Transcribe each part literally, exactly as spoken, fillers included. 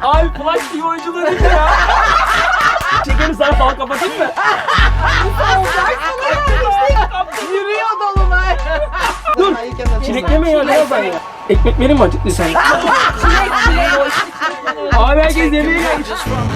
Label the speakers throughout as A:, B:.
A: Abi Flash T V oyunculuğu değil ya. Çekelim sana falan kapatayım mı?
B: Yürüyor dolunay.
A: Dur. Çilekleme ya ne yazan ya? Ekmek verir mi acıktı sen? Abi herkes yemeğe gelmiş.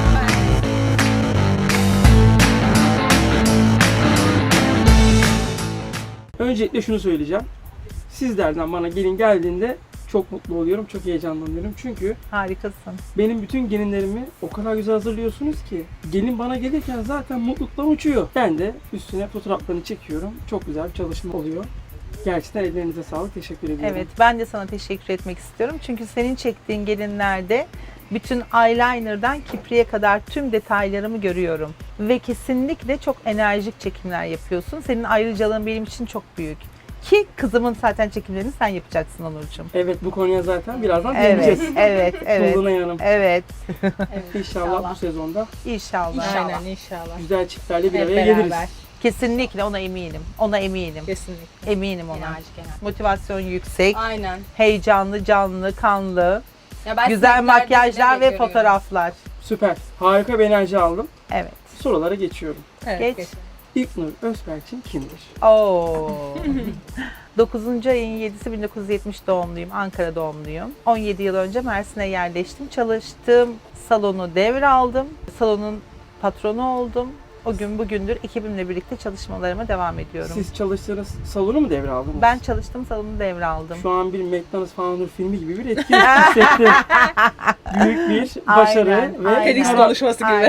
A: Öncelikle şunu söyleyeceğim. Sizlerden bana gelin geldiğinde çok mutlu oluyorum, çok heyecanlanıyorum. Çünkü
B: Harikasın.
A: benim bütün gelinlerimi o kadar güzel hazırlıyorsunuz ki gelin bana gelirken zaten mutluluktan uçuyor. Ben de üstüne fotoğraflarını çekiyorum. Çok güzel bir çalışma oluyor. Gerçekten ellerinize sağlık. Teşekkür ediyorum.
B: Evet, ben de sana teşekkür etmek istiyorum. Çünkü senin çektiğin gelinlerde bütün eyeliner'dan kipriye kadar tüm detaylarımı görüyorum. Ve kesinlikle çok enerjik çekimler yapıyorsun. Senin ayrıcalığın benim için çok büyük. Ki kızımın zaten çekimlerini sen yapacaksın Onurcuğum.
A: Evet, bu konuya zaten birazdan
B: Evet,
A: değineceğiz.
B: evet, evet.
A: Dolunay Hanım.
B: Evet.
A: İnşallah bu sezonda
B: İnşallah.
C: İnşallah. Aynen inşallah.
A: güzel çiftlerle bir
C: Hep
A: araya
C: beraber.
A: geliriz.
B: Kesinlikle ona eminim. Ona eminim.
C: Kesinlikle.
B: Eminim ona.
C: Enerjik enerjik.
B: Motivasyon yüksek,
C: Aynen.
B: heyecanlı, canlı, kanlı,
C: Ya ben
B: güzel
C: sizlerde
B: makyajlar
C: bile
B: ve
C: görüyorum.
B: fotoğraflar.
A: Süper. Harika bir enerji aldım.
B: Evet.
A: Sorulara geçiyorum.
C: Evet,
B: Geç.
C: geç.
A: İlknur Özberçin kimdir?
B: Oo. dokuzuncu ayın yedisi bin dokuz yüz yetmiş doğumluyum. Ankara doğumluyum. on yedi yıl önce Mersin'e yerleştim. Çalıştığım salonu devraldım. Salonun patronu oldum. O gün bugündür ekibimle birlikte çalışmalarıma devam ediyorum.
A: Siz çalıştığınız salonu mu devraldınız?
B: Ben çalıştığım salonu devraldım.
A: Şu an bir McDonald's falan Nur filmi gibi bir etki hissettim. Büyük bir başarı
B: Aynen,
A: ve
B: aynen.
C: Tenis
A: karar-
C: konuşması gibi.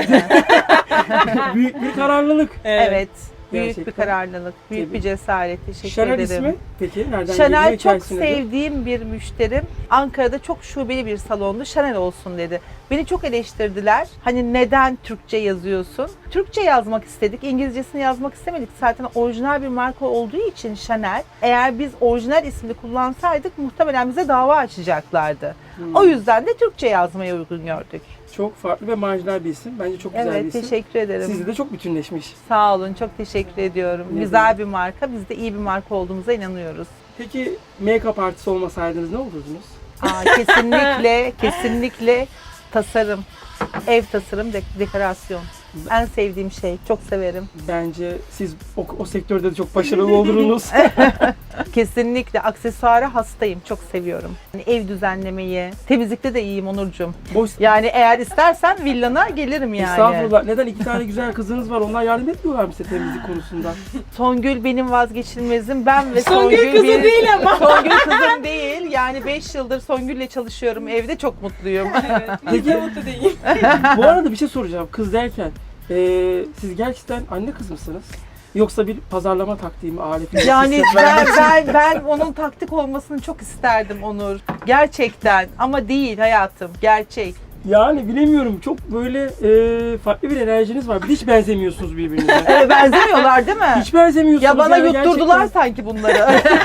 B: Aynen.
A: büyük bir kararlılık.
B: Evet. Büyük
A: Gerçekten.
B: bir kararlılık, büyük
A: Tebrik.
B: bir cesaret. Teşekkür
A: Chanel
B: ederim.
A: ismi peki nereden
B: Chanel
A: geliyor
B: çok
A: hikayesi nedir?
B: sevdiğim bir müşterim. Ankara'da çok şubeli bir salondu. Chanel olsun dedi. Beni çok eleştirdiler. Hani neden Türkçe yazıyorsun? Türkçe yazmak istedik. İngilizcesini yazmak istemedik. Zaten orijinal bir marka olduğu için Chanel. Eğer biz orijinal ismini kullansaydık muhtemelen bize dava açacaklardı.
A: Hmm.
B: O yüzden de Türkçe yazmaya uygun gördük.
A: Çok farklı ve marjinal bir isim. Bence çok güzel bir
B: Evet,
A: isim.
B: teşekkür ederim.
A: Sizde de çok bütünleşmiş.
B: Sağ olun, çok teşekkür ediyorum.
A: Ne
B: Güzel
A: demek.
B: bir marka. Biz de iyi bir marka olduğumuza inanıyoruz.
A: Peki make-up artisti olmasaydınız ne olurdunuz?
B: Aa, kesinlikle, kesinlikle tasarım, ev tasarım, dek- dekorasyon. En sevdiğim şey, çok severim.
A: Bence siz o, o sektörde de çok başarılı olurdunuz.
B: Kesinlikle aksesuara hastayım, çok seviyorum. Yani ev düzenlemeyi, temizlikte de iyiyim Onurcuğum.
A: Boş
B: Yani eğer istersen villana gelirim yani.
A: Estağfurullah. Neden iki tane güzel kızınız var? Onlar yardım etmiyorlar mı size temizlik konusunda?
B: Songül benim vazgeçilmezim. Ben ve
C: Songül
B: Songül,
C: kızı
B: bir-
C: değil ama.
B: Songül kızım değil. Yani beş yıldır Songül'le çalışıyorum. Evde çok mutluyum.
A: Peki
C: Mutlu değil.
A: bu arada bir şey soracağım. Kız derken eee, siz gerçekten anne kız mısınız? Yoksa bir pazarlama taktiği mi, aleti mi?
B: Yani
A: Siz-
B: ben, ben ben onun taktik olmasını çok isterdim Onur. Gerçekten ama değil hayatım. Gerçek.
A: Yani bilemiyorum. Çok böyle eee, farklı bir enerjiniz var. Bir de hiç benzemiyorsunuz birbirinize.
B: Ee, benzemiyorlar değil mi?
A: Hiç benzemiyorsunuz.
B: Ya bana
A: yani
B: yutturdular
A: gerçekten.
B: sanki bunları.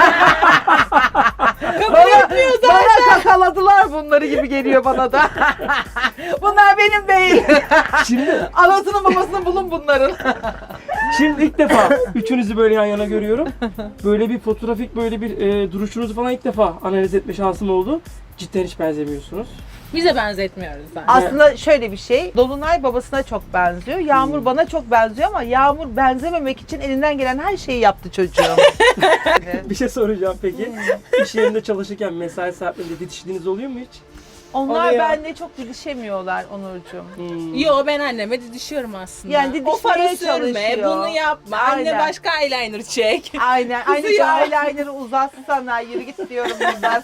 B: bana, bana kakaladılar bunları gibi geliyor bana da. Bunlar benim değil.
A: Şimdi,
B: Anasının babasını bulun bunların.
A: şimdi ilk defa üçünüzü böyle yan yana görüyorum. Böyle bir fotoğrafik böyle bir eee, duruşunuzu falan ilk defa analiz etme şansım oldu. Cidden hiç benzemiyorsunuz.
C: Bize benzetmiyoruz zaten.
B: Aslında şöyle bir şey, Dolunay babasına çok benziyor, Yağmur
A: Hmm.
B: bana çok benziyor ama Yağmur benzememek için elinden gelen her şeyi yaptı çocuğum.
A: Bir şey soracağım peki. İş yerinde çalışırken mesai saatlerinde didiştiğiniz oluyor mu hiç?
B: Onlar
C: Oluyor.
B: benimle çok didişemiyorlar Onurcuğum.
A: Hmm.
C: Yo, ben anneme didişiyorum aslında.
B: Yani didişmeye
C: o farı sürme,
B: çalışıyor.
C: bunu yapma.
B: Aynen.
C: Anne başka eyeliner çek.
B: Aynen, aynı şu
C: ya.
B: eyeliner'ı uzatsana, yürü git diyorum buradan.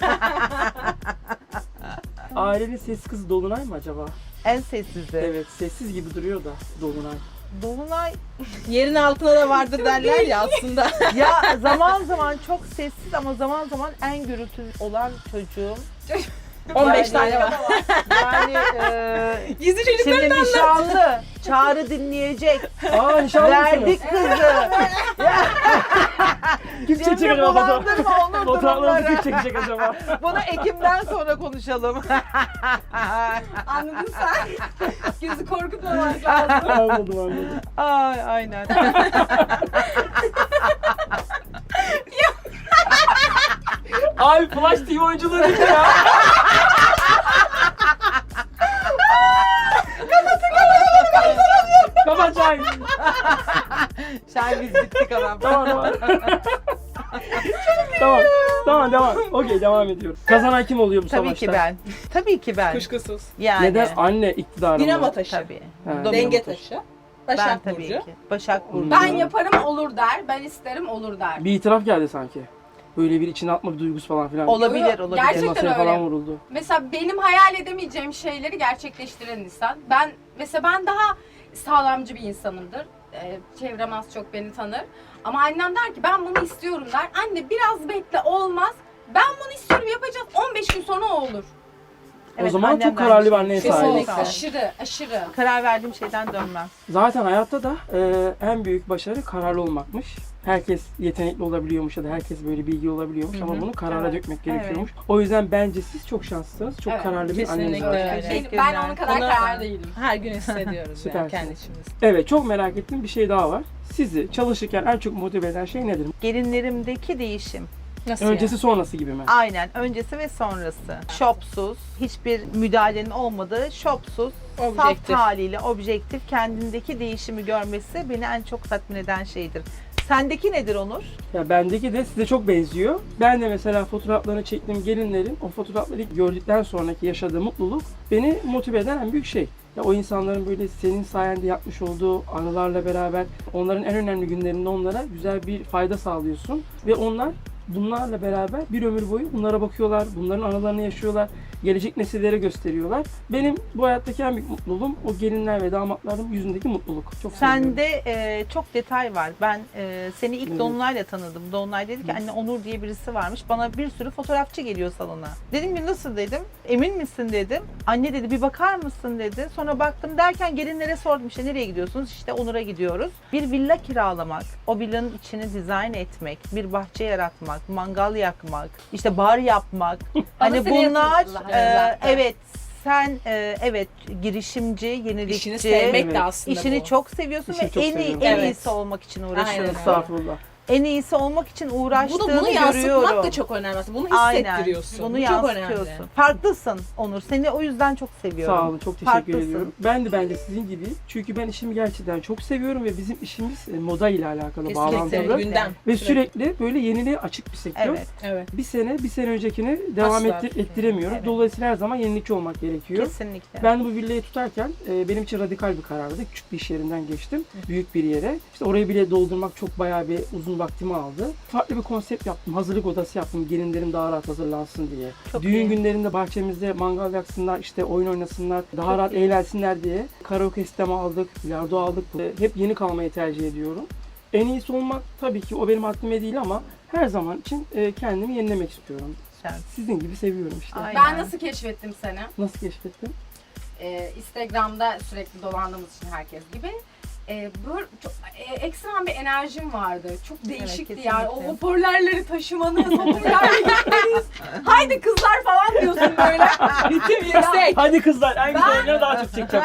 A: Ailenin sessiz kızı Dolunay mı acaba?
B: En sessizi.
A: Evet, sessiz gibi duruyor da Dolunay.
B: Dolunay
C: Yerin altına da vardır derler ya aslında.
B: ya zaman zaman çok sessiz ama zaman zaman en gürültü olan çocuğum.
C: on beş
B: Yani-
C: tane var.
B: Yani e,
C: Gizli
B: şimdi
C: çocuklarından da.
B: nişanlı, Çağrı dinleyecek.
A: Aa, nişanlı mısınız?
B: Verdik kızı.
A: Kim çekecek
B: Şimdi
A: acaba?
B: bulandırma Onur
A: Fotoğraflarınızı kim
B: durumları.
A: çekecek acaba?
B: Bunu Ekim'den sonra konuşalım.
C: Anladın sen. Gözü korkutmamak lazım.
A: Anladım anladım.
B: Ay aynen.
A: Abi Flash T V oyunculuğu değil mi ya?
B: Sen biz bittik adam.
A: Tamam tamam. tamam. Tamam devam. Okey devam ediyoruz. Kazanan kim oluyor bu
B: Tabii
A: savaşta?
B: ki ben. Tabii ki ben.
C: Kuşkusuz.
B: Yani.
A: Neden anne iktidarında?
C: Dinamo taşı.
B: Tabii.
A: Ha,
B: Domino
C: Denge
A: taşı.
C: taşı.
B: Ben
C: Başak
B: tabii
C: Burcu.
B: ki. Başak Burcu.
A: Ben
C: Ben yaparım olur der. Ben isterim olur der.
A: Bir itiraf geldi sanki. Böyle bir içine atma bir duygusu falan filan.
B: Olabilir,
C: Yok,
B: olabilir.
C: gerçekten
A: Masaya
C: öyle.
A: falan vuruldu.
C: Mesela benim hayal edemeyeceğim şeyleri gerçekleştiren insan. Ben mesela ben daha sağlamcı bir insanımdır. Ee, çevrem az çok beni tanır. Ama annem der ki ben bunu istiyorum der. Anne biraz bekle olmaz. Ben bunu istiyorum yapacağız. on beş gün sonra o olur.
A: O
B: Evet,
A: zaman
B: annem
A: çok
B: de
A: kararlı bir
B: aynı
A: anneye
B: şey.
A: sahibiz.
B: Kesinlikle.
C: Aşırı aşırı.
B: Karar verdiğim şeyden dönmem.
A: Zaten hayatta da e, en büyük başarı kararlı olmakmış. Herkes yetenekli olabiliyormuş ya da herkes böyle bilgi olabiliyormuş
B: Hı hı.
A: ama bunu karara
C: Evet.
A: dökmek gerekiyormuş. O yüzden bence siz çok şanslısınız. Çok
C: Evet,
A: kararlı bir
C: kesinlikle
A: anneniz var.
C: öyle.
B: Teşekkürler.
C: Ben onun kadar
D: Onu-
C: kararlı değilim.
D: Her gün hissediyoruz
A: Süpersin.
D: yani kendi içimizde.
A: Evet çok merak ettiğim bir şey daha var. Sizi çalışırken en çok motive eden şey nedir?
B: Gelinlerimdeki değişim.
D: Nasıl
A: Öncesi sonrası gibi mi?
B: Aynen. Öncesi ve sonrası. Shopsuz, hiçbir müdahalenin olmadığı, shopsuz, saf
D: Objektif.
B: haliyle objektif kendindeki değişimi görmesi beni en çok tatmin eden şeydir. Sendeki nedir Onur?
A: Ya bendeki de size çok benziyor. Ben de mesela fotoğraflarını çektiğim gelinlerin o fotoğrafları gördükten sonraki yaşadığı mutluluk beni motive eden en büyük şey. Ya o insanların böyle senin sayende yapmış olduğu anılarla beraber onların en önemli günlerinde onlara güzel bir fayda sağlıyorsun ve onlar bunlarla beraber bir ömür boyu bunlara bakıyorlar, bunların anılarını yaşıyorlar, gelecek nesillere gösteriyorlar. Benim bu hayattaki en büyük mutluluğum o gelinler ve damatların yüzündeki mutluluk. Çok seviyorum.
B: Sende e, çok detay var. Ben e, seni ilk
A: Evet.
B: Dolunay'la tanıdım. Dolunay dedi ki anne Onur diye birisi varmış. Bana bir sürü fotoğrafçı geliyor salona. Dedim ki nasıl dedim. Emin misin dedim. Anne dedi bir bakar mısın dedi. Sonra baktım derken gelinlere sordum işte nereye gidiyorsunuz? İşte Onur'a gidiyoruz. Bir villa kiralamak, o villanın içini dizayn etmek, bir bahçe yaratmak, mangal yakmak, işte bar yapmak. hani
C: seni
B: bunlar
C: yatırdılar.
B: e, evet sen e, evet girişimci, yenilikçi.
D: İşini sevmek
A: Evet.
D: de aslında
B: İşini
D: bu.
B: çok seviyorsun
A: İşini
B: ve
A: çok
B: en iyi
A: seviyorum.
B: en
D: Evet.
B: iyisi olmak için uğraşıyorsun.
D: Aynen.
A: Estağfurullah.
B: En iyisi olmak için uğraştığını
D: Bunu, bunu
B: görüyorum.
D: yansıtmak da çok önemli. Bunu
B: Aynen.
D: hissettiriyorsun.
B: Bunu
D: Bu çok
B: yansıtıyorsun.
D: önemli.
B: Farklısın Onur. Seni o yüzden çok seviyorum.
A: Sağ olun, çok teşekkür
B: Farklısın.
A: ediyorum. Ben de bence sizin gibi. Çünkü ben işimi gerçekten çok seviyorum ve bizim işimiz e, moda ile alakalı, bağlantılı.
B: Kesinlikle.
D: Gündem.
A: Ve sürekli böyle yeniliğe açık bir sektör.
B: Evet.
D: Evet.
A: Bir sene, bir sene öncekini devam
D: Asla.
A: ettir, ettiremiyoruz.
B: Evet.
A: Dolayısıyla her zaman yenilikçi olmak gerekiyor.
B: Kesinlikle.
A: Ben de bu villayı tutarken e, benim için radikal bir karardı. Küçük bir iş yerinden geçtim. Büyük bir yere. İşte orayı bile doldurmak çok bayağı bir uzun vaktimi aldı. Farklı bir konsept yaptım. Hazırlık odası yaptım. Gelinlerim daha rahat hazırlansın diye.
B: Çok
A: Düğün
B: iyi.
A: günlerinde bahçemizde mangal yaksınlar, işte oyun oynasınlar, daha
B: Çok
A: rahat
B: iyi.
A: eğlensinler diye. Karaoke sistemi aldık, bilardo aldık. E, Hep yeni kalmayı tercih ediyorum. En iyisi olmak tabii ki o benim haddime değil ama her zaman için e, kendimi yenilemek istiyorum.
B: Güzel.
A: Sizin gibi seviyorum işte.
B: Aynen.
C: Ben nasıl keşfettim seni?
A: Nasıl keşfettin?
C: Ee, Instagram'da sürekli dolandığımız için herkes gibi. Ee, böyle çok e, ekstrem bir enerjim vardı. Çok değişikti
B: Evet,
C: yani. O
B: kesinlikle.
C: hoparlörleri taşımanız, hoparlörle gitmeniz. Haydi kızlar falan diyorsun böyle.
D: Ritim yüksek.
A: Hadi kızlar en
C: Ben-
A: güzelini daha çok çekeceğim.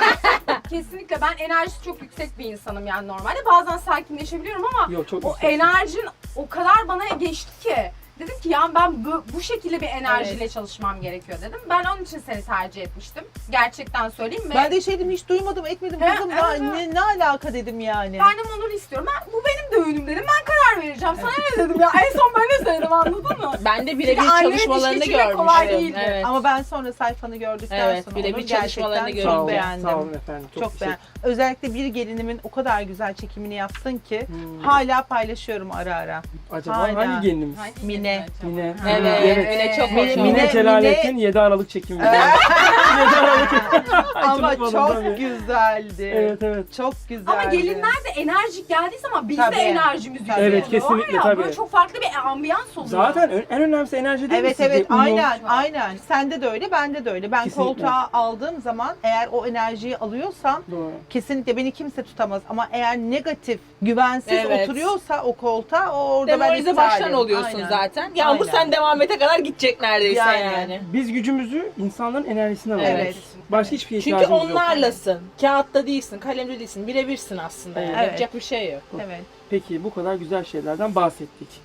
C: Kesinlikle ben enerjisi çok yüksek bir insanım yani normalde. Bazen sakinleşebiliyorum ama
A: Yok çok
C: o
A: yüksek.
C: enerjin o kadar bana geçti ki. Dedim ki ya ben bu, bu şekilde bir enerjiyle
B: Evet.
C: çalışmam gerekiyor dedim. Ben onun için seni tercih etmiştim. Gerçekten söyleyeyim mi?
B: Ben de şey dedim hiç duymadım etmedim
C: He,
B: kızım
C: evet,
B: ya,
C: evet.
B: ne, ne alaka dedim yani.
C: Ben de Onur'u istiyorum. Ben, bu benim düğünüm dedim. Ben karar vereceğim. Sana ne dedim ya? En son ben ne söyledim anladın mı?
D: Ben de birebir
C: Çünkü annemin
D: çalışmalarını
C: iş geçirmek kolay
D: görmüştüm.
C: değildi.
D: Evet.
B: Ama ben sonra sayfanı gördükten
D: Evet,
B: sonra
D: birebir
B: onu
D: çalışmalarını
B: gerçekten
A: Sağ
B: çok
A: olun,
B: beğendim.
A: sağ olun efendim.
B: Çok,
A: Çok,
B: beğendim. Özellikle bir gelinimin o kadar güzel çekimini yaptın ki
A: Hmm.
B: hala paylaşıyorum ara ara.
A: Acaba
B: Hala.
A: hangi gelinimiz?
B: Mine.
A: Mine.
D: Evet,
A: Evet.
D: Mine çok
B: Mine-
D: hoş
A: Mine,
D: oldu.
B: Mine-
A: Celalettin yedi Aralık çekimi. yedi Aralık. Ay,
B: Ama
A: unutmadım
B: çok
A: tabii.
B: güzeldi.
A: Evet evet.
B: Çok güzeldi.
C: Ama gelinler de enerjik geldiği zaman biz
B: Tabii.
C: de enerjimiz yükseliyor.
A: Evet, kesinlikle,
C: ya,
A: tabii.
C: Böyle çok farklı bir ambiyans oluyor.
A: Zaten ö- en önemlisi enerji değil mi
B: Evet
A: sizce?
B: evet
A: Uyum.
B: aynen aynen. Sende de öyle bende de öyle. Ben
A: Kesinlikle.
B: koltuğa aldığım zaman eğer o enerjiyi alıyorsam
A: Doğru.
B: kesinlikle beni kimse tutamaz. Ama eğer negatif, güvensiz
D: Evet.
B: oturuyorsa o koltuğa o orada ben
D: Demoralize
B: iptalim.
D: baştan oluyorsun
B: Aynen.
D: zaten. Yağmur
B: Aynen.
D: sen devam ete kadar gidecek neredeyse
B: Yani.
D: yani.
A: Biz gücümüzü insanların enerjisine alıyoruz.
B: Evet.
A: Başka hiçbir şeye
D: Çünkü
A: ihtiyacımız yok.
D: onlarlasın. Kağıtta değilsin, kalemde değilsin. Birebirsin aslında. Yani.
B: Evet.
D: Yapacak bir şey yok.
B: Evet.
A: Peki bu kadar güzel şeylerden bahsettik.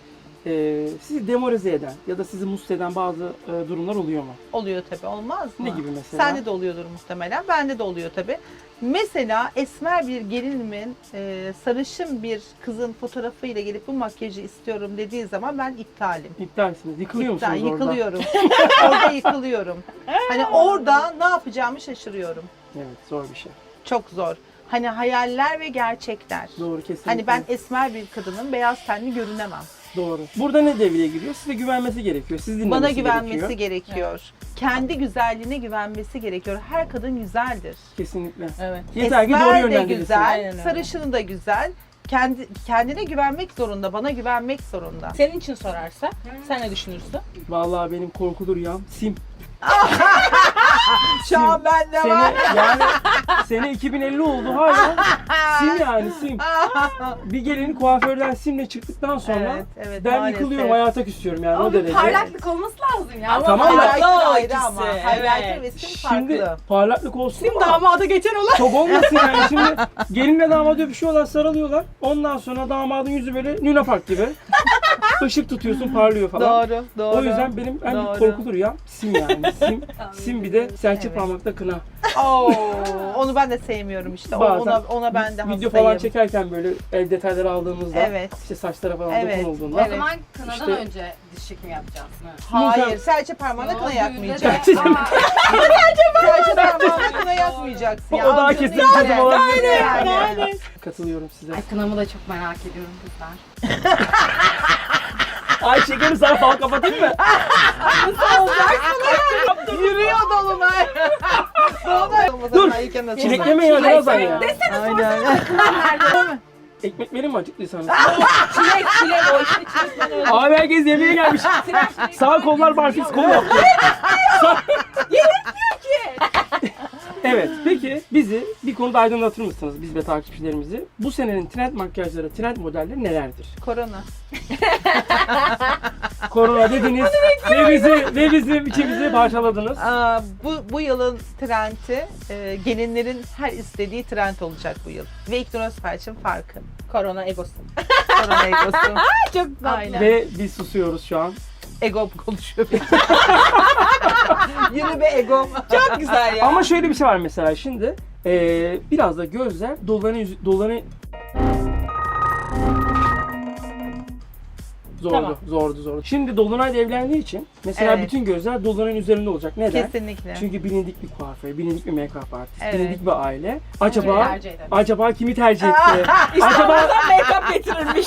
A: e, sizi demoralize eden ya da sizi mutsuz eden bazı e, durumlar oluyor mu?
B: Oluyor tabii, olmaz mı?
A: Ne gibi mesela?
B: Sende de oluyordur muhtemelen, bende de oluyor tabii. Mesela esmer bir gelinimin e, sarışın bir kızın fotoğrafıyla gelip bu makyajı istiyorum dediği zaman ben iptalim.
A: İptalsiniz. Yıkılıyor
B: İptal,
A: musunuz orada?
B: yıkılıyorum. Orada yıkılıyorum. Hani orada ne yapacağımı şaşırıyorum.
A: Evet, zor bir şey.
B: Çok zor. Hani hayaller ve gerçekler.
A: Doğru, kesinlikle.
B: Hani ben esmer bir kadının beyaz tenli görünemem.
A: Doğru. Burada ne devreye giriyor? Size güvenmesi gerekiyor. Siz dinlemesi
B: Bana güvenmesi
A: gerekiyor.
B: gerekiyor. Kendi güzelliğine güvenmesi gerekiyor. Her kadın güzeldir.
A: Kesinlikle.
D: Evet.
A: Yeter ki doğru
B: Esmer de
A: yönlendirilsin.
B: güzel,
D: Aynen öyle.
B: sarışını da güzel. Kendi kendine güvenmek zorunda, bana güvenmek zorunda.
D: Senin için sorarsa sen ne düşünürsün?
A: Vallahi benim korkulu rüyam sim.
B: Şu an bende
A: Sene,
B: var.
A: yani sene iki bin elli oldu hala. Sim yani sim. Bir gelin kuaförden simle çıktıktan sonra
B: Evet, evet,
A: ben
B: maalesef.
A: yıkılıyorum, hayata küsüyorum yani
C: Ama
A: o
C: bir
A: derece.
C: parlaklık olması lazım ya.
D: Ama
A: Tamam da-
B: Highlighter
D: Parlaklık
B: ayrı
D: ikisi,
B: ama.
D: evet.
B: Highlighter ve sim
A: Şimdi
B: farklı.
A: parlaklık olsun
D: Sim
A: ama
D: damada geçen olan.
A: çok olmasın yani. Şimdi gelinle damat öpüşüyorlar, sarılıyorlar. Ondan sonra damadın yüzü böyle Luna Park gibi. Işık tutuyorsun, parlıyor falan.
B: Doğru, doğru.
A: O yüzden benim en
B: Doğru.
A: korkulu rüyam sim yani. Sim, sim bir de serçe
B: Evet.
A: parmakta kına.
B: Oo, onu ben de sevmiyorum işte. O-
A: Bazen
B: ona ona ben de
A: Video
B: hastayım.
A: falan çekerken böyle el detayları aldığımızda
B: Evet.
A: işte saçlara falan
B: Evet,
A: dokunulduğunda
C: O
B: evet.
C: zaman kınadan
A: İşte-
C: önce dişlik mi yapacağız?
B: Hayır, serçe parmağına
C: Yo,
B: kına
C: düğünde
B: yakmayacaksın.
C: de-
A: Gerçekten.
C: Aa,
B: Serçe parmağına kına yakmayacaksın.
A: O
B: ya.
A: daha
B: Avucunun
A: kesin
B: içine.
A: çözüm olabilir.
B: Yani.
D: Aynen.
A: katılıyorum size.
C: Ay kınamı da çok merak ediyorum kızlar.
A: Ay şekerim, sana fal kapatayım mı?
B: Yürüyor dolunay. Dolunay.
A: Dur,
B: Çilek.
A: çilekleme ya biraz ay ya.
B: Aynen.
A: Ekmek verin mi acıktıysanız?
D: Çilek çilek o işte çilek ben öyle.
A: Abi herkes yemeğe gelmiş. Sağ kollar barfiks kol yaptı. Evet, peki bizi bir konuda aydınlatır mısınız, biz ve takipçilerimizi? Bu senenin trend makyajları, trend modelleri nelerdir?
B: Korona.
A: Korona dediniz ve bizi ve bizim içimizi parçaladınız.
B: Aa, bu, bu yılın trendi e, gelinlerin her istediği trend olacak bu yıl. Ve İknoros Felç'in farkı.
D: Korona egosu.
B: Korona egosu.
D: Çok tatlı.
B: Aynen.
A: Ve biz susuyoruz şu an.
B: Ego konuşuyor. Yürü be ego.
D: Çok güzel ya.
A: Ama şöyle bir şey var mesela şimdi. eee, biraz da gözler doların yüzü, doların zordu,
D: Tamam.
A: zordu, zordu. Şimdi Dolunay da evlendiği için mesela
B: Evet.
A: bütün gözler Dolunay'ın üzerinde olacak. Neden?
B: Kesinlikle.
A: Çünkü bilindik bir kuaför, bilindik bir make-up artist,
B: Evet.
A: bilindik bir aile.
C: Öyle
A: Acaba
C: tercih ederim.
A: acaba kimi tercih etti? Acaba
D: İstanbul'dan make-up getirilmiş.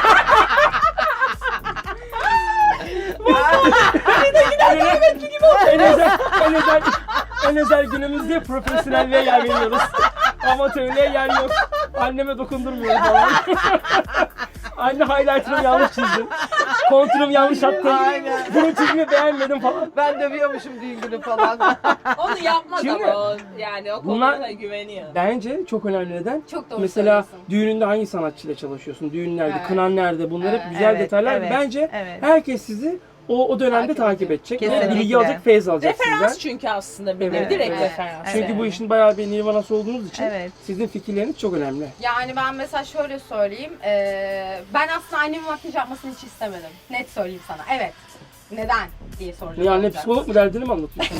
A: en özel, en özel, en özel günümüzde profesyonelliğe yer veriyoruz. Amatörlüğe yer yok. Anneme dokundurmuyorum falan. Anne highlighter'ımı yanlış çizdim. Kontürümü yanlış attım.
B: Aynen.
A: Bunun çizimi beğenmedim falan.
B: Ben dövüyormuşum düğün günü falan.
D: Onu yapmaz
A: Şimdi-
D: ama o, yani o
A: Bunlar-
D: konuda güveniyor.
A: Bence çok önemli neden?
C: Çok doğru
A: Mesela
C: söylüyorsun.
A: düğününde hangi sanatçıyla çalışıyorsun? Düğünlerde,
C: Evet.
A: kınan nerede? Bunlar hep
C: Evet.
A: güzel
B: Evet,
A: detaylar.
B: evet,
A: Bence
B: evet.
A: herkes sizi o, o dönemde
C: Takip
A: takip
C: edecek.
A: edecek.
B: Kesinlikle.
A: Ve bilgi alacak, feyz alacak
D: Referans
A: sizden.
D: çünkü aslında benim.
A: Evet.
D: Direkt
C: Evet.
D: referans.
A: Çünkü
B: Evet.
A: bu işin bayağı bir nirvanası olduğunuz için
B: Evet.
A: sizin fikirleriniz çok önemli.
C: Yani ben mesela şöyle söyleyeyim. eee, ben aslında annemin makyaj yapmasını hiç istemedim. Net söyleyeyim sana. Evet. Neden diye soracağım.
A: Ne anne
C: olacak.
A: psikolog mu derdini mi anlatıyorsun?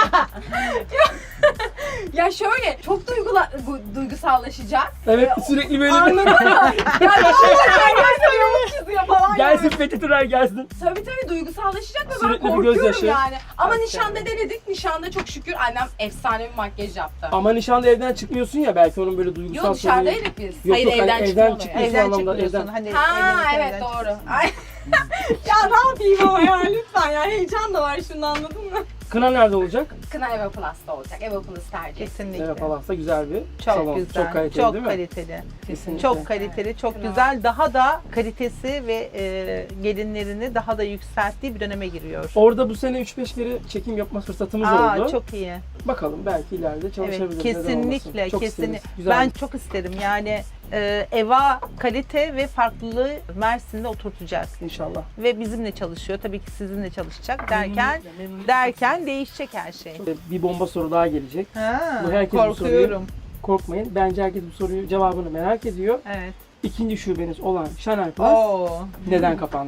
C: Ya şöyle çok duygula, bu- duygusallaşacak.
A: Evet, sürekli böyle bir
C: Anladın mı? Ya bir şeyler gelsin yamuk çiziyor falan.
A: gelsin
C: yani.
A: Fethi Tüner gelsin.
C: Tabii tabii duygusallaşacak ve ben
A: Sürekli bir
C: korkuyorum
A: gözyaşı.
C: yani. Ama
B: Tabii,
C: nişanda
B: tabii.
C: denedik. Nişanda çok şükür annem efsane bir makyaj yaptı.
A: Ama nişanda evden çıkmıyorsun ya, belki onun böyle duygusal
C: Yok dışarıdaydık biz.
A: Yok
D: Hayır,
A: yok, hani
D: evden
A: evden,
D: çıkma oluyor.
A: çıkmıyorsun
B: Evden
A: anlamda,
B: çıkmıyorsun.
A: evden.
B: Hani
C: Ha
B: evlenirken
C: evet
B: evden
C: doğru.
B: çıkıyorsun.
C: Ay. Ya ne yapayım ama ya lütfen ya heyecan da var şimdi anladın mı?
A: Kına nerede olacak?
C: Kına Eva Plus'ta olacak. Eva Plus tercih.
B: Kesinlikle.
A: Evet, Palas'ta güzel bir
B: Çok
A: salon.
B: güzel.
A: Çok kaliteli
B: çok
A: değil mi?
B: kaliteli.
A: Kesinlikle.
B: Çok kaliteli, çok
C: Evet.
B: güzel. Daha da kalitesi ve e, gelinlerini daha da yükselttiği bir döneme giriyor.
A: Orada bu sene üç beş kere çekim yapma fırsatımız
B: Aa,
A: oldu.
B: çok iyi.
A: Bakalım belki ileride çalışabiliriz.
B: Evet,
A: neden
B: kesinlikle,
A: olmasın. Çok
B: kesinlikle.
A: isteriz. Güzel.
B: Ben çok isterim. Yani e, Eva kalite ve farklılığı Mersin'de oturtacak
A: İnşallah.
B: ve bizimle çalışıyor. Tabii ki sizinle çalışacak derken derken değişecek her şey.
A: Bir bomba soru daha gelecek.
B: Ha,
A: Bu herkes bu
B: korkuyorum.
A: Korkmayın. Bence herkes bu soruyu cevabını merak ediyor.
B: Evet.
A: İkinci şubeniz olan Chanel Plus
B: Oo.
A: neden kapandı?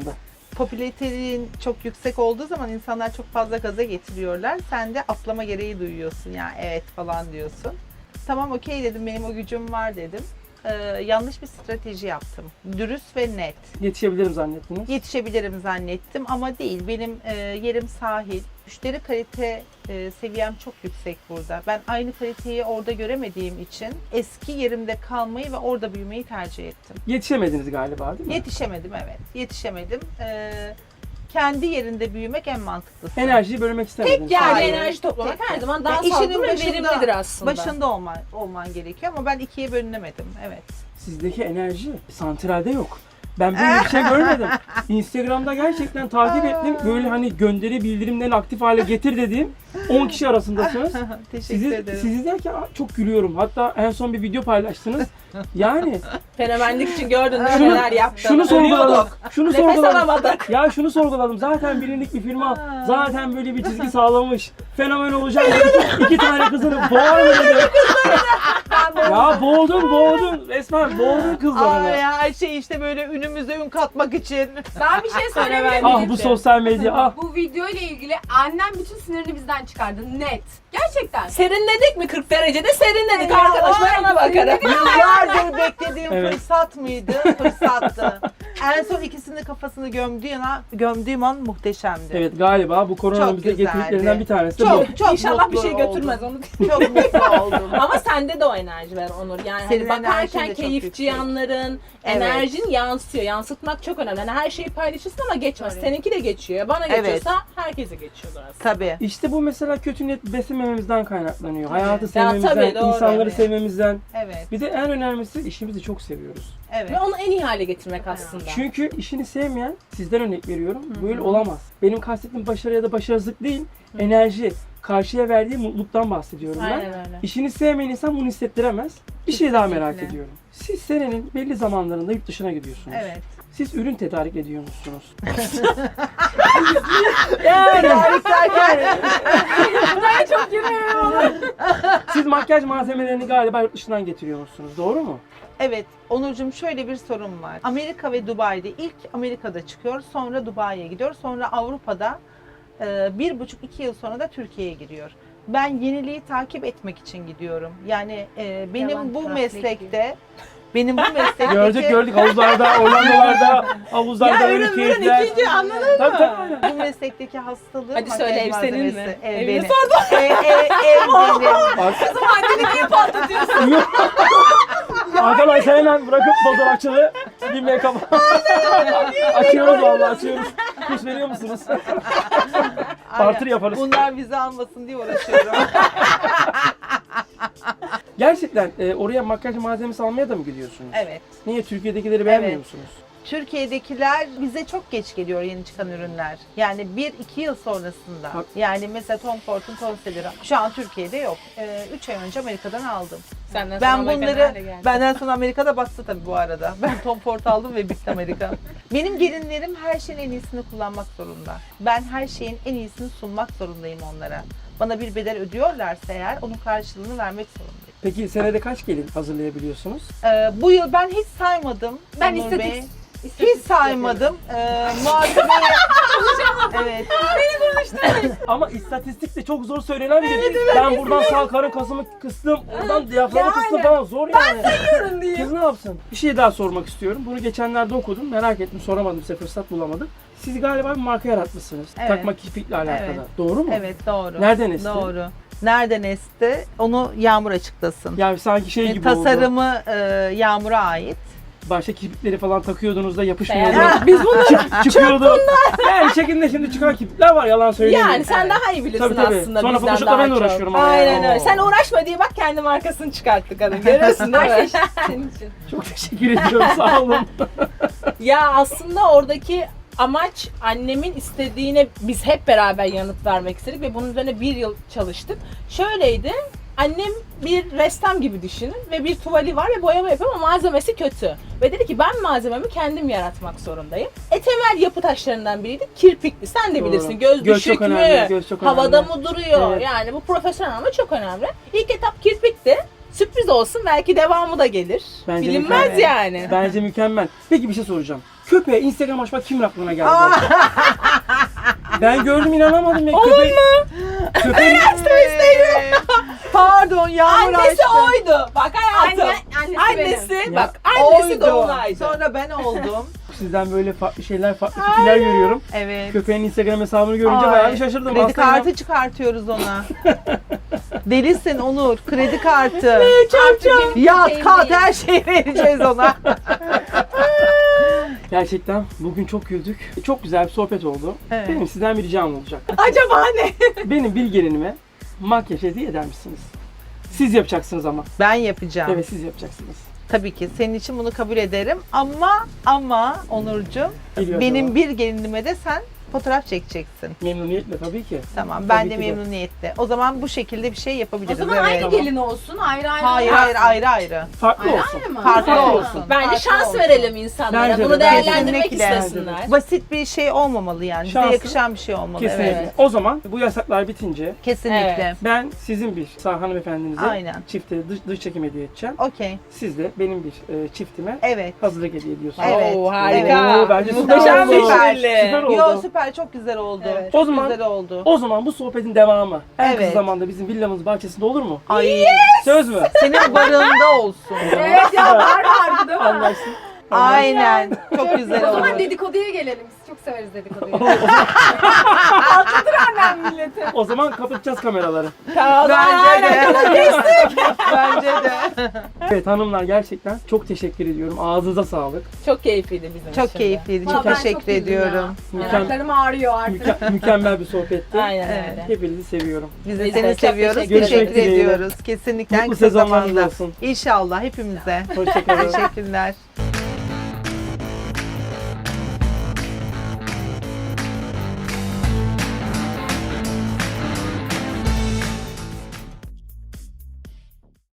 B: popülaritenin çok yüksek olduğu zaman insanlar çok fazla gaza getiriyorlar. Sen de atlama gereği duyuyorsun. Yani evet falan diyorsun. Tamam okey dedim, benim o gücüm var dedim. Ee, yanlış bir strateji yaptım. Dürüst ve net.
A: Yetişebilirim zannettiniz.
B: Yetişebilirim zannettim ama değil. Benim e, yerim sahil. Müşteri kalite e, seviyem çok yüksek burada. Ben aynı kaliteyi orada göremediğim için eski yerimde kalmayı ve orada büyümeyi tercih ettim.
A: Yetişemediniz galiba değil mi?
B: Yetişemedim, evet. Yetişemedim. Ee, kendi yerinde büyümek en mantıklısı.
A: Enerjiyi bölmek istemediniz.
D: Tek yerde
B: Hayır.
D: enerji toplamak
B: Tek-
D: her zaman daha
B: Yani işinin
D: sağlıklı ve
B: başında-
D: verimlidir aslında.
B: Başında olman, olman gerekiyor ama ben ikiye bölünemedim. Evet.
A: Sizdeki enerji santralde yok. Ben böyle bir şey görmedim. Instagram'da gerçekten takip ettim. Böyle hani gönderi bildirimlerini aktif hale getir dediğim on kişi arasındasınız.
B: Teşekkür
A: Sizi,
B: ederim.
A: sizi derken "Aa, çok gülüyorum. Hatta en son bir video paylaştınız. Yani
D: Fenomenlik için gördün değil mi
A: Şunu-
D: neler yaptığını.
A: şunu sorguladım.
D: Ölüyorduk.
A: Şunu
D: Nefes
A: sorguladım.
D: alamadık.
A: Ya şunu sorguladım. Zaten bilindik bir firma. Zaten böyle bir çizgi sağlamış. Fenomen olacak. İki, iki tane kızını boğar mı dedi. Ya boğdun boğdun. Resmen boğdun kızlarını.
B: Ay, her şey işte böyle ünümüze ün katmak için.
C: Ben bir şey söyleyebilir miyim?
A: Ah bu sosyal medya. Ah.
C: Bu video ile ilgili annem bütün sinirini bizden çıkardı. Net. Gerçekten.
D: Serinledik mi kırk derecede? Serinledik
B: Ya,
D: arkadaş, ben ona bakarım.
B: Yıllardır beklediğim
A: Evet.
B: fırsat mıydı? Fırsattı. En son ikisinin kafasını gömdüğüm an, gömdüğüm an muhteşemdi.
A: Evet galiba bu koronanın
B: Çok
A: bize
B: güzeldi.
A: getirdiklerinden bir tanesi de bu.
B: Çok çok
D: İnşallah bir
B: mutlu
D: şey götürmez
B: oldum.
D: onu.
B: Çok mutlu oldum.
D: Ama sende de o enerji var Onur. Yani
B: Senin
D: hani
B: enerjin
D: bakarken
B: de çok
D: keyifçi
B: yüksek.
D: yanların,
B: Evet.
D: enerjin yansıyor. Yansıtmak çok önemli. Yani her şeyi paylaşırsın ama geçmez.
C: Doğru.
D: Seninki de geçiyor. Bana
B: Evet.
D: geçiyorsa herkese geçiyordur aslında.
B: Tabii.
A: İşte bu mesela kötü niyet beslemememizden kaynaklanıyor. Hayatı
D: Ya
A: sevmemizden,
D: tabii, doğru.
A: insanları
B: Evet.
A: sevmemizden.
B: Evet.
A: Bir de en önemlisi işimizi çok seviyoruz.
B: Evet.
D: Ve onu en iyi hale getirmek aslında.
A: Çünkü işini sevmeyen, sizden örnek veriyorum, böyle olamaz. Benim kastettiğim başarı ya da başarısızlık değil, enerji, karşıya verdiği mutluluktan bahsediyorum ben.
D: Aynen öyle.
A: İşini sevmeyen insan bunu hissettiremez. Bir şey daha merak
B: Kesinlikle.
A: ediyorum. Siz senenin belli zamanlarında yurt dışına gidiyorsunuz.
B: Evet.
A: Siz ürün tedarik ediyor musunuz?
B: Yani derken
C: Çok gülüyorum.
A: Siz makyaj malzemelerini galiba yurt dışından getiriyor musunuz? Doğru mu?
B: evet Onurcuğum, şöyle bir sorun var. Amerika ve Dubai'de ilk Amerika'da çıkıyor, sonra Dubai'ye gidiyor, sonra Avrupa'da e, bir buçuk iki yıl sonra da Türkiye'ye giriyor. Ben yeniliği takip etmek için gidiyorum. Yani e, benim
C: Yalan
B: bu
C: translate
B: meslekte benim bu meslekteki
A: Gördük gördük havuzlarda, Orlando'larda, havuzlarda
D: Ya
A: böyle
D: ürün ürün
A: keyifler.
D: ikinci anladın
A: Tabii
D: mı?
A: tabii.
B: bu meslekteki hastalığım
D: Hadi
B: makyaj
D: söyle, ev senin mi?
B: malzemesi. Ev
D: Evini
B: benim.
D: sordum.
B: Ev, ev, ev benim.
A: Bak,
D: Anneni niye patlatıyorsun?
A: arkadaşlar hemen bırakıp fotoğrafçılığı bir make-up. Açıyoruz vallahi açıyoruz. Kuş veriyor musunuz? Barter
B: Aynen.
A: yaparız.
B: Bunlar bizi almasın diye uğraşıyorum.
A: Gerçekten e, oraya makyaj malzemesi almaya da mı gidiyorsunuz?
B: Evet.
A: Niye? Türkiye'dekileri beğenmiyor
B: Evet.
A: musunuz?
B: Türkiye'dekiler bize çok geç geliyor, yeni çıkan ürünler. Yani bir iki yıl sonrasında.
A: Bak.
B: Yani mesela Tom Ford'un konseleri şu an Türkiye'de yok. üç ay önce Amerika'dan aldım.
D: Senden
B: Ben
D: sonra Amerika
B: bunları,
D: nerede geldi?
B: benden sonra Amerika'da battı tabii bu arada. Ben Tom Ford aldım ve bitti Amerika. Benim gelinlerim her şeyin en iyisini kullanmak zorunda. Ben her şeyin en iyisini sunmak zorundayım onlara. Bana bir bedel ödüyorlarsa eğer onun karşılığını vermek zorundayım.
A: Peki senede kaç gelin hazırlayabiliyorsunuz?
B: Ee, bu yıl ben hiç saymadım.
C: Ben
B: Onur
C: istatistik-
B: Bey.
C: İstatistik
B: Hiç saymadım. Ee, malzemeyi... evet.
A: Ama istatistik de çok zor söylenen bir. Ben buradan sağ karın kasımı kıstım, buradan diyaframı kıstım falan zor yani.
D: Sayıyorum diye.
A: Kız ne yapsın? Bir şey daha sormak istiyorum. Bunu geçenlerde okudum. Merak ettim. Soramadım size. Fırsat bulamadım. Siz galiba bir marka yaratmışsınız.
B: Evet.
A: Takma kirpikle alakalı.
B: Evet.
A: Doğru mu?
B: Evet, doğru.
A: Nereden esti?
B: Doğru. Nereden esti? Onu Yağmur açıklasın.
A: Yani sanki şey
B: E,
A: gibi oldu.
B: tasarımı e, Yağmur'a ait.
A: Başta kirpikleri falan takıyordunuz da yapışmıyordu.
D: Beğendim. Biz bunu
A: Çık, çıkıyordu. Yani şekilde şimdi çıkan kirpikler var. Yalan söyleyeyim.
D: yani sen
B: Evet.
D: daha iyi bilirsin
A: Tabii, tabii.
D: aslında
A: Sonra
D: bizden
A: Photoshop'la
D: daha
A: ben de
D: çok.
A: uğraşıyorum ama
D: Aynen
A: ya.
D: öyle.
A: Oo.
D: Sen uğraşma diye bak kendi markasını çıkarttı kadın. Görüyorsun değil
C: Her
D: mi?
C: şey senin için.
A: Çok teşekkür ediyorum. Sağ olun.
D: Ya aslında oradaki amaç annemin istediğine biz hep beraber yanıt vermek istedik ve bunun üzerine bir yıl çalıştık. Şöyleydi, annem bir ressam gibi düşünün ve bir tuvali var ve boyama yapıyor ama malzemesi kötü. Ve dedi ki ben malzememi kendim yaratmak zorundayım. E temel yapı taşlarından biriydi kirpikli. Sen de
A: Doğru.
D: bilirsin göz,
A: Göz
D: düşük
A: çok
D: mü,
A: önemli, göz çok
D: havada
A: önemli.
D: mı duruyor?
A: Evet.
D: Yani bu profesyonel ama çok önemli. İlk etap kirpikti. Sürpriz olsun belki devamı da gelir.
A: Bence
D: Bilinmez
A: mükemmel.
D: yani.
A: Bence mükemmel. Peki bir şey soracağım. Köpeğe Instagram açmak kimin aklına geldi? Ben gördüm inanamadım ya. Köpek, köpeğin,
B: Ee, Pardon Yağmur
D: Annesi
B: açtı.
D: oydu. Bak hayatım.
C: Anne, annesi,
D: Annesi
C: benim.
D: bak annesi
B: Oydu.
D: Dolunay'dı.
B: Sonra ben oldum.
A: sizden böyle farklı şeyler, farklı fikirler görüyorum.
B: Evet.
A: Köpeğin Instagram hesabını görünce
B: Ay,
A: bayağı bir şaşırdım.
B: Kredi
A: Aslında
B: kartı çıkartıyoruz ona. Delisin Onur. Kredi kartı.
C: Artık benim
B: Yat,
C: köpeğim
B: kat
C: değil.
B: her şeyi vereceğiz ona.
A: Gerçekten bugün çok güldük. Çok güzel bir sohbet oldu.
B: Evet.
A: Benim sizden bir ricam olacak.
C: Acaba ne?
A: Benim bir gelinime makyaj hediye eder misiniz? Siz yapacaksınız ama.
B: Ben yapacağım.
A: Evet siz yapacaksınız.
B: Tabii ki senin için bunu kabul ederim ama ama Onurcuğum
A: Geliyor
B: benim
A: acaba.
B: bir gelinime de sen fotoğraf çekeceksin.
A: Memnuniyetle tabii ki.
B: Tamam ben
A: Tabii
B: de
A: ki de.
B: memnuniyetle. O zaman bu şekilde bir şey
C: O
B: yapabiliriz.
C: zaman
B: evet.
C: aynı
A: Tamam.
C: gelin olsun, ayrı ayrı.
B: Hayır hayır ayrı ayrı.
A: Farklı
C: Ayrı
A: olsun.
C: ayrı mı?
B: Farklı
A: Farklı
B: olsun.
D: Bence
B: Farklı
D: şans
B: olsun.
D: verelim insanlara.
A: Bence de,
D: Bunu
A: bence de.
D: değerlendirmek
B: Kesinlikle.
D: istesinler.
B: Basit bir şey olmamalı yani. Bize
A: Şanslı.
B: yakışan bir şey olmalı.
A: Kesinlikle.
B: Evet.
A: O zaman bu yasaklar bitince
B: Kesinlikle.
D: Evet.
A: ben sizin bir sağ hanımefendinize
B: Aynen.
A: çifte dış, dış çekim hediye edeceğim.
B: Okey.
A: Siz de benim bir e, çiftime
B: Evet.
A: hazırlık hediye ediyorsunuz.
B: Evet.
D: Oo, harika.
A: Oo, bence süper
D: Muhteşem
A: oldu.
D: bir
B: Süper.
D: ikili.
A: Süper oldu.
B: Yo süper çok güzel oldu.
D: Evet.
B: Çok
A: O zaman-
B: güzel oldu.
A: O zaman bu sohbetin devamı en kısa
B: Evet.
A: zamanda bizim villamız bahçesinde olur mu?
B: Ay
A: Söz mü?
B: senin barında olsun.
C: Evet ya var vardı değil mi?
A: Anlaştık.
B: Aynen. Çok güzel
C: O zaman
B: oldu.
C: dedikoduya gelelim. Biz çok severiz dedikoduyu. Annem milleti.
A: O zaman kapatacağız kameraları.
B: Bence de. Bence de.
A: Evet hanımlar gerçekten çok teşekkür ediyorum. Ağzınıza sağlık.
D: Çok keyifliydi bizim için
B: Çok
D: de.
B: keyifliydi.
C: Valla
B: Çok
C: ben
B: teşekkür
C: güldüm
B: ediyorum.
C: ya.
A: Mükemmel.
C: Yanaklarım ağrıyor artık.
A: Müke- mükemmel bir sohbetti.
D: Aynen
B: Evet.
D: öyle.
A: Hepinizi seviyorum.
B: Biz de
D: Biz
B: seni
D: de çok
B: seviyoruz.
D: teşekkür
B: Teşekkür,
A: ederiz. Görüşmek dileğiyle.
B: ediyoruz. Kesinlikle en
A: Mutlu
B: kısa
A: sezonlarınız
B: zamanda.
A: olsun.
B: İnşallah hepimize.
A: Hoşçakalın.
B: Teşekkürler.